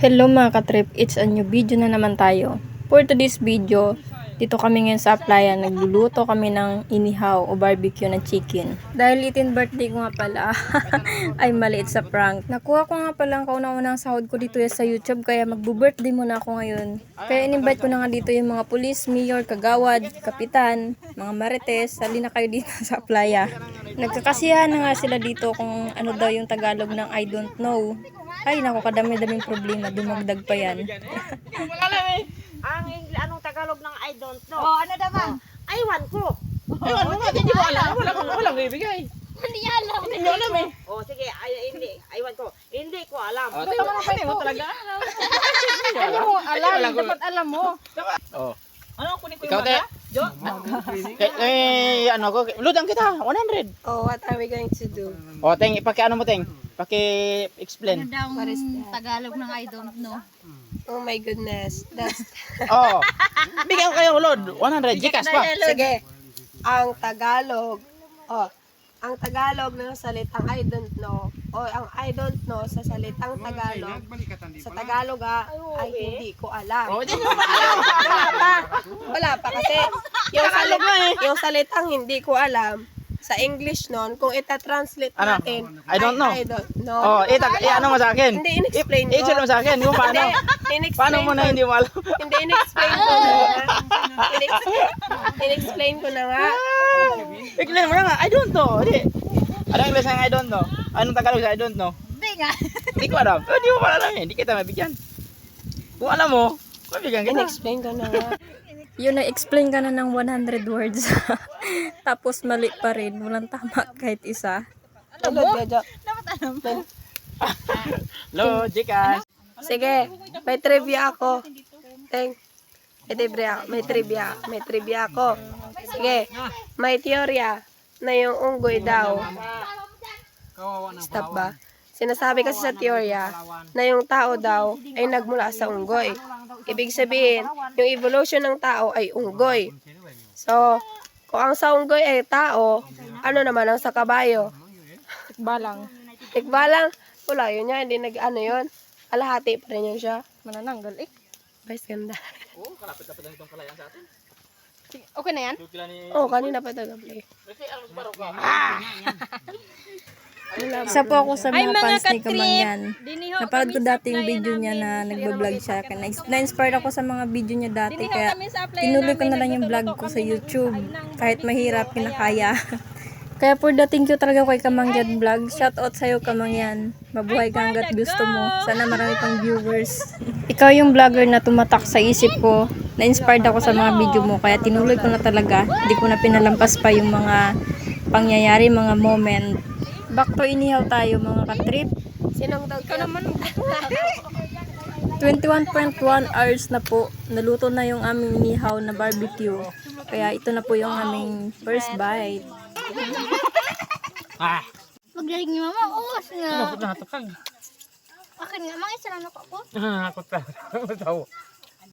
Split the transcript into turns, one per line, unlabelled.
Hello mga katrip, it's a new video na naman tayo. For today's video, dito kami ngayon sa Aplaya, nagluluto kami ng inihaw o barbecue na chicken. Dahil 18th birthday ko nga pala, ay maliit sa prank. Nakuha ko nga pala ang kauna-unang sahod ko dito sa YouTube, kaya magbo-birthday muna ako ngayon. Kaya in-invite ko na nga dito yung mga pulis, mayor, kagawad, kapitan, mga marites, sali na kayo dito sa Aplaya. Nagkakasiyahan na nga sila dito kung ano daw yung Tagalog ng I don't know. Ay, naku, kadami-daming problema. Dumagdag pa yan.
Anong Tagalog ng I don't know?
Oh, ano naman?
Aywan ko.
Aywan mo nga, hindi mo alam. Walang ibigay.
Hindi alam.
Hindi mo alam eh.
Oh, sige, hindi. Aywan ko. Hindi ko alam.
Hindi mo talaga alam.
Ano mo alam? Dapat alam mo.
Oh.
Ano, kunin ko
Ikaw,
yung
te?
mata? Jo?
Ano ko, ludang kita, 100.
Oh, what are we going to do?
O, Teng, ano mo, Teng? Paki-explain.
Ano daw
What is that?
Tagalog ng I don't know?
Oh my goodness. That's
Oh. Bigyan ko kayo, Lord. 100, Gcash pa.
sige. Ang Tagalog. Oh, ang Tagalog ng salitang I don't know. O ang I don't know sa salitang Tagalog. Sa Tagalog ay hindi ko alam.
Oh, hindi mo alam.
Wala pa kasi yung salitang hindi ko alam sa English nun, kung ita-translate
Ano?
natin,
I don't know.
I don't know.
Oh, ano mo sa akin?
Hindi, in-explain ko.
I-explain mo sa akin, kung paano.
In-explain
Paano mo na
ko.
hindi mo alam?
Hindi, in-explain ko na nga. In-explain ko na nga.
Explain mo na nga, I don't know. Hindi. Anong English ng I don't know? Anong Tagalog sa I don't know?
Hindi nga.
Hindi ko alam. Hindi mo pala alam eh. Hindi kita mabigyan. Kung alam mo, mabigyan kita.
In-explain ko na nga.
Yun, na-explain ka na ng 100 words. Tapos mali pa rin. Walang tama kahit isa.
Tulad ka dyan.
Dapat alam.
Hello, Gcash.
Sige, may trivia ako. May trivia ako. Sige, may teorya na yung unggoy daw. Stop ba? Sinasabi kasi sa teorya na yung tao daw ay nagmula sa unggoy. Ibig sabihin, yung evolution ng tao ay unggoy. So, kung ang sa unggoy ay tao, ano naman ang sa kabayo?
Balang.
Tikbalang, wala yun yan, hindi nag-ano yun. Kalahati pa rin yun siya.
Manananggal eh.
Best ganda.
Oh, kalapit-lapit lang itong kalayan sa atin.
Okay na yan?
Oh, kanina pa taga-play.
Isa po ako sa mga fans ni Kamangyan. Napanood ko dati yung video niya na nagbablog siya. Na-inspired ako sa mga video niya dati. Kaya tinuloy ko na lang yung vlog ko sa YouTube. Kahit mahirap, kinakaya. Kaya for the thank you talaga kay Kamangyan Vlog. Shoutout sa'yo Kamangyan. Mabuhay ka hanggat gusto mo. Sana marami pang viewers. Ikaw yung vlogger na tumatak sa isip ko. Na-inspired ako sa mga video mo. Kaya tinuloy ko na talaga. Hindi ko na pinalampas pa yung mga pangyayari, mga moment. Back to inihaw tayo mga katrip.
Sinong daw ka naman?
21.1 hours na po. Naluto na yung aming inihaw na barbecue. Kaya ito na po yung aming first bite.
Magdalig ni mama, uwas nga.
Natakag.
Akin nga, mga isa lang ako.
Ako ta.